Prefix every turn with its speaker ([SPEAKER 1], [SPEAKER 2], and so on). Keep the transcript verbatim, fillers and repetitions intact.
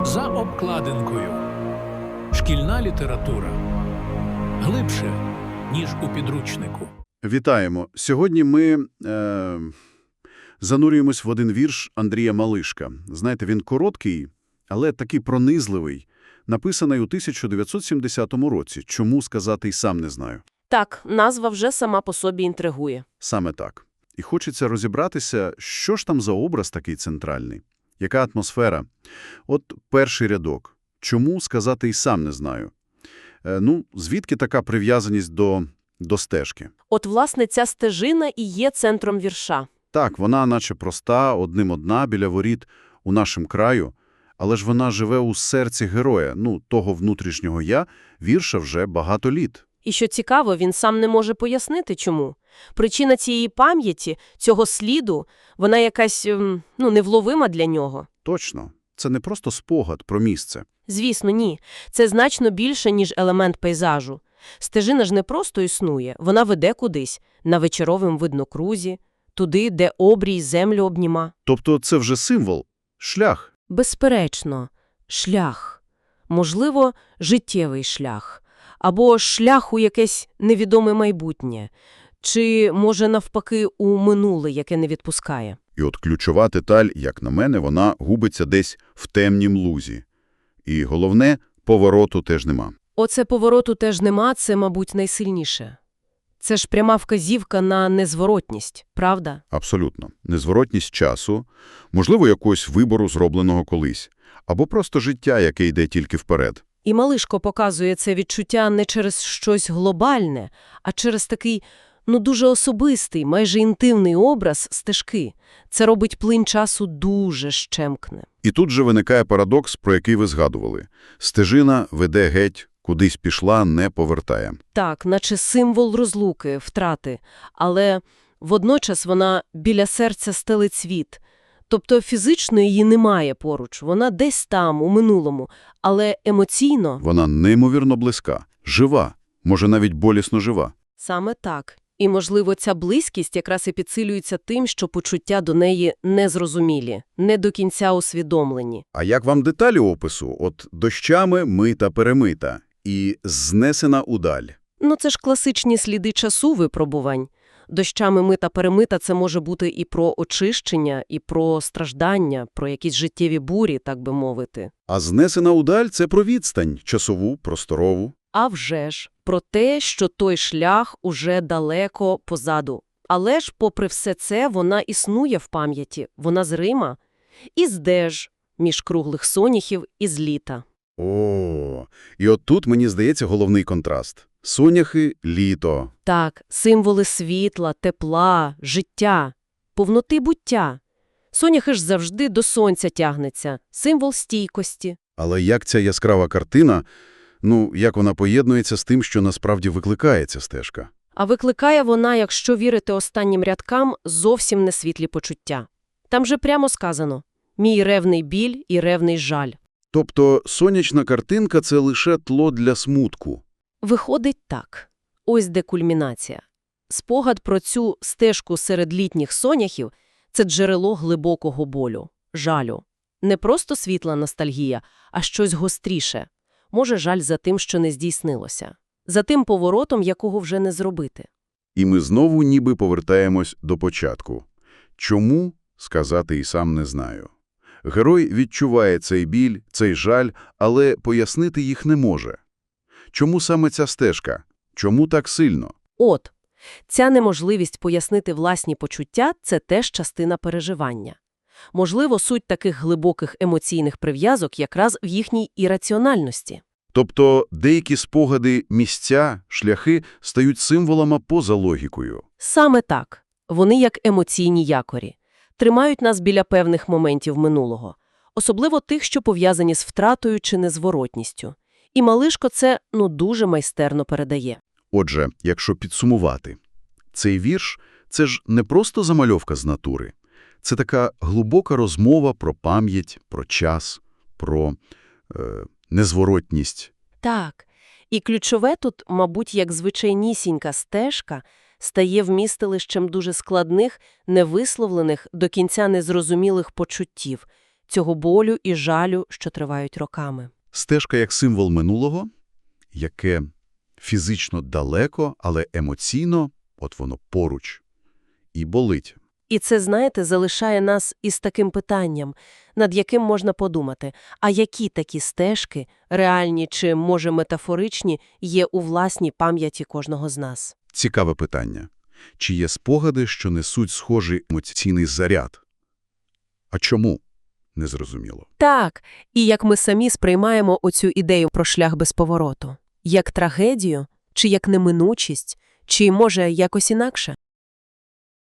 [SPEAKER 1] За обкладинкою. Шкільна література. Глибше, ніж у підручнику.
[SPEAKER 2] Вітаємо. Сьогодні ми е, занурюємось в один вірш Андрія Малишка. Знаєте, він короткий, але такий пронизливий, написаний у тисяча дев'ятсот сімдесятому році. Чому сказати й сам не знаю.
[SPEAKER 3] Так, назва вже сама по собі інтригує.
[SPEAKER 2] Саме так. І хочеться розібратися, що ж там за образ такий центральний. Яка атмосфера? От перший рядок. Чому сказати й сам не знаю. Е, ну, звідки така прив'язаність до, до стежки?
[SPEAKER 3] От, власне, ця стежина і є центром вірша.
[SPEAKER 2] Так, вона наче проста, одним одна, біля воріт у нашому краю, але ж вона живе у серці героя, ну, того внутрішнього «я», вірша вже багато літ.
[SPEAKER 3] І що цікаво, він сам не може пояснити, чому. Причина цієї пам'яті, цього сліду, вона якась, ем, ну, невловима для нього.
[SPEAKER 2] Точно. Це не просто спогад про місце.
[SPEAKER 3] Звісно, ні. Це значно більше, ніж елемент пейзажу. Стежина ж не просто існує, вона веде кудись, на вечоровим виднокрузі, туди, де обрій землю обніма.
[SPEAKER 2] Тобто це вже символ, шлях.
[SPEAKER 3] Безперечно, шлях. Можливо, життєвий шлях. Або шлях у якесь невідоме майбутнє. Чи, може, навпаки, у минуле, яке не відпускає.
[SPEAKER 2] І от ключова деталь, як на мене, вона губиться десь в темнім лузі. І головне, повороту теж нема.
[SPEAKER 3] Оце повороту теж нема, це, мабуть, найсильніше. Це ж пряма вказівка на незворотність, правда?
[SPEAKER 2] Абсолютно. Незворотність часу, можливо, якогось вибору, зробленого колись. Або просто життя, яке йде тільки вперед.
[SPEAKER 3] І Малишко показує це відчуття не через щось глобальне, а через такий, ну, дуже особистий, майже інтимний образ стежки. Це робить плин часу дуже щемкне.
[SPEAKER 2] І тут же виникає парадокс, про який ви згадували. Стежина веде геть, кудись пішла, не повертає.
[SPEAKER 3] Так, наче символ розлуки, втрати, але водночас вона біля серця стелить світ. Тобто фізично її немає поруч, вона десь там, у минулому, але емоційно…
[SPEAKER 2] Вона неймовірно близька, жива, може навіть болісно жива.
[SPEAKER 3] Саме так. І, можливо, ця близькість якраз і підсилюється тим, що почуття до неї незрозумілі, не до кінця усвідомлені.
[SPEAKER 2] А як вам деталі опису? От дощами мита перемита і знесена удаль.
[SPEAKER 3] Ну, це ж класичні сліди часу випробувань. Дощами мита перемита – це може бути і про очищення, і про страждання, про якісь життєві бурі, так би мовити.
[SPEAKER 2] А знесена удаль – це про відстань, часову, просторову.
[SPEAKER 3] А вже ж, про те, що той шлях уже далеко позаду. Але ж, попри все це, вона існує в пам'яті, вона зрима. І здеж, між круглих соняхів і з літа.
[SPEAKER 2] О, і от тут, мені здається, головний контраст. Соняхи – літо.
[SPEAKER 3] Так, символи світла, тепла, життя, повноти буття. Соняхи ж завжди до сонця тягнеться, символ стійкості.
[SPEAKER 2] Але як ця яскрава картина, ну, як вона поєднується з тим, що насправді викликає ця стежка?
[SPEAKER 3] А викликає вона, якщо вірити останнім рядкам, зовсім не світлі почуття. Там же прямо сказано «Мій ревний біль і ревний жаль».
[SPEAKER 2] Тобто сонячна картинка – це лише тло для смутку.
[SPEAKER 3] Виходить так. Ось де кульмінація. Спогад про цю стежку серед літніх соняхів – це джерело глибокого болю, жалю. Не просто світла ностальгія, а щось гостріше. Може, жаль за тим, що не здійснилося. За тим поворотом, якого вже не зробити.
[SPEAKER 2] І ми знову ніби повертаємось до початку. Чому? Сказати і сам не знаю. Герой відчуває цей біль, цей жаль, але пояснити їх не може. Чому саме ця стежка? Чому так сильно?
[SPEAKER 3] От, ця неможливість пояснити власні почуття – це теж частина переживання. Можливо, суть таких глибоких емоційних прив'язок якраз в їхній ірраціональності.
[SPEAKER 2] Тобто деякі спогади, місця, шляхи стають символами поза логікою.
[SPEAKER 3] Саме так. Вони як емоційні якорі. Тримають нас біля певних моментів минулого. Особливо тих, що пов'язані з втратою чи незворотністю. І Малишко це, ну, дуже майстерно передає.
[SPEAKER 2] Отже, якщо підсумувати, цей вірш – це ж не просто замальовка з натури. Це така глибока розмова про пам'ять, про час, про е, незворотність.
[SPEAKER 3] Так. І ключове тут, мабуть, як звичайнісінька стежка, стає вмістилищем дуже складних, невисловлених, до кінця незрозумілих почуттів. цього болю і жалю, що тривають роками.
[SPEAKER 2] Стежка як символ минулого, яке фізично далеко, але емоційно, от воно поруч, і болить.
[SPEAKER 3] І це, знаєте, залишає нас із таким питанням, над яким можна подумати, а які такі стежки, реальні чи, може, метафоричні, є у власній пам'яті кожного з нас?
[SPEAKER 2] Цікаве питання. Чи є спогади, що несуть схожий емоційний заряд? А чому? Незрозуміло.
[SPEAKER 3] Так, і як ми самі сприймаємо оцю ідею про шлях без повороту? Як трагедію? Чи як неминучість? Чи, може, якось інакше?